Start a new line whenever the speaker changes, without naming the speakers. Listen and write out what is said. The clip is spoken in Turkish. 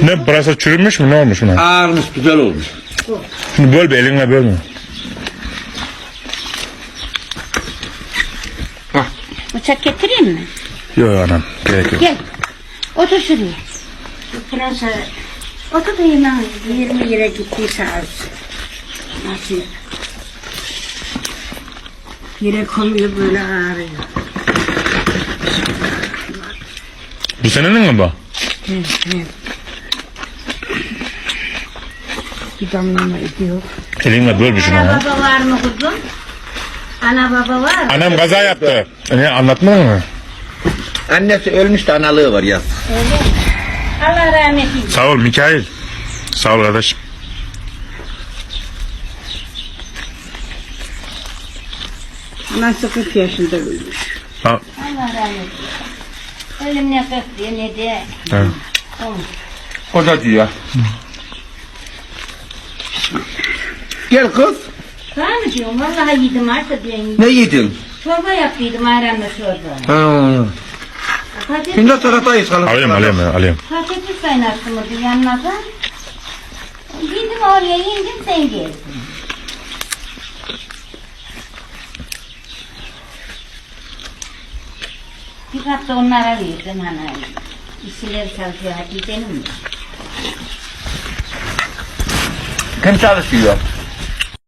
Ne burası çürümüş mü ne olmuş buna?
Ağırmış, güzel olmuş.
Şimdi böl be elinle bölme.
Bıçak getireyim mi?
Yok anam gerek yok.
Gel. Otur şuraya. Şu pırasa. Otur da yemeğe. 20 lira gittiyse az. Nasıl? Yere konuyor böyle ağrıyor.
Bu senenin mi bu?
Evet. Bir damlama ediyor.
Elinle böl bir şunu
Ana
ya.
baba var mı kuzum? Ana baba var mı?
Annem kaza yaptı. Ne anlatmadın mı?
Annesi ölmüş de analığı var ya.
Öyle mi? Allah rahmet eylesin.
Sağ ol Mikail. Sağ ol kardeşim.
Nasıl 40 yaşında ölmüş.
Ha,
Allah rahmet eylesin. Ölüm ne kırk ne de.
evet.
O da diyor. Gel kız.
Var mı diyorum? Vallahi yedim artık diyorum.
Ne yedin?
Çorba yaptıydım ayranla çorba.
Ha.
Patates,
Şimdi salatayı salat.
Alayım.
patates kaynattım orada yanına da. Yedim oraya indim sen geldin. Bir hafta onlara verdim hani. İşçiler çalışıyor Hatice'nin mi?
Kim çalışıyor?